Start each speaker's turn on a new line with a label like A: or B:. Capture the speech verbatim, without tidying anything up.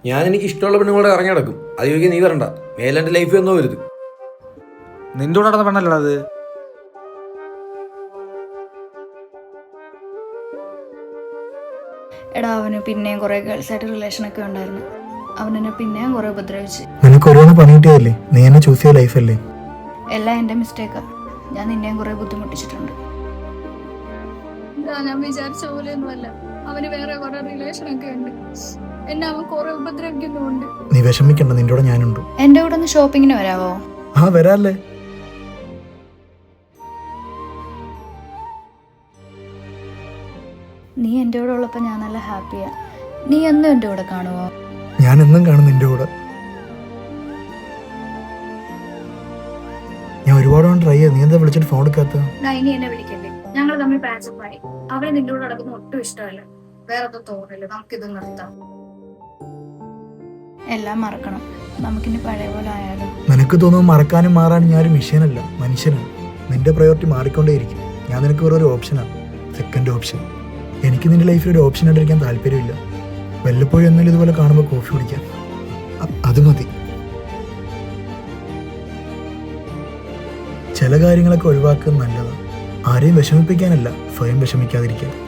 A: ഞാൻ എനിക്ക് ഇഷ്ടമുള്ള പെണ്ണുങ്ങളോട് ഇറങ്ങി നടക്കും. അത് ചോദിക്കാൻ നീ വരണ്ട. മേലെ എൻ്റെ ലൈഫ് എന്നോ വരുത്.
B: നിന്റെ കൂടെ നടന്ന പെണ്ണല്ലോ അത്.
C: എടാ അവന് പിന്നെയും കുറെ ഗേൾസായിട്ട് റിലേഷനൊക്കെ ഉണ്ടായിരുന്നു. അവനെന്നെ പിന്നെയും കുറെ ഉപദ്രവിച്ച്.
D: നിനക്ക് ഓരോന്ന് പണിയിട്ടതല്ലേ, നീ എന്നെ ചൂസ് ചെയ്ത ലൈഫല്ലേ.
C: എല്ലാം എൻ്റെ മിസ്റ്റേക്കാ. ഞാൻ നിന്നെയും കുറെ ബുദ്ധിമുട്ടിച്ചിട്ടുണ്ട്. ഞാൻ വിചാരിച്ച പോലെയൊന്നുമല്ല. അവന് വേറെ കുറെ റിലേഷനൊക്കെ ഉണ്ട്. എന്നെ അവൻ കുറെ ഉപദ്രവിക്കുന്നുണ്ട്.
D: നീ വിഷമിക്കണ്ട, നിന്റെ കൂടെ ഞാനുണ്ട്.
C: എന്റെ കൂടെ ഒന്ന് ഷോപ്പിങ്ങിന് വരാവോ?
D: ആ വരാല്ലേ.
C: നീ എൻ്റെ കൂടെ ഉള്ളപ്പോൾ ഞാൻ നല്ല ഹാപ്പിയാ. നീ എന്നും എൻ്റെ കൂടെ കാണുമോ?
D: ഞാൻ എന്നും കാണും നിന്റെ കൂടെ. ഞാൻ ഒരുപാട് ട്രൈ ചെയ്തു, നീ എന്താ വിളിച്ചിട്ട് ഫോൺ എടുക്കാത്ത?
C: ഇനി എന്നെ വിളിക്കല്ലേ, ഞങ്ങൾ തമ്മിൽ പാച്ചപ്പായി. അവന് നിന്റെ കൂടെ നടക്കുന്ന ഒട്ടും ഇഷ്ടമല്ല. വേറെ ഒന്നും തോന്നില്ല, നമുക്കിത് നിർത്താം. എല്ലാം മറക്കണം, നമുക്കിനി പഴയ പോലെ ആയാലും.
D: നിനക്ക് തോന്നുന്നു മറക്കാനും മാറാനും ഞാൻ ഒരു മിഷീനല്ല, മനുഷ്യനാണ്. നിന്റെ പ്രയോറിറ്റി മാറിക്കൊണ്ടേയിരിക്കും. ഞാൻ നിനക്ക് വേറെ ഒരു ഓപ്ഷനാണ്, സെക്കൻഡ് ഓപ്ഷൻ. എനിക്ക് നിന്റെ ലൈഫിൽ ഒരു ഓപ്ഷൻ ആയിട്ടിരിക്കാൻ താല്പര്യമില്ല. വല്ലപ്പോഴും എന്നാലും ഇതുപോലെ കാണുമ്പോൾ കോഫി കുടിക്കാം, അത് മതി. ചില കാര്യങ്ങളൊക്കെ ഒഴിവാക്കുന്നത് നല്ലതാണ്. ആരെയും വിഷമിപ്പിക്കാനല്ല, സ്വയം വിഷമിക്കാതിരിക്കാൻ.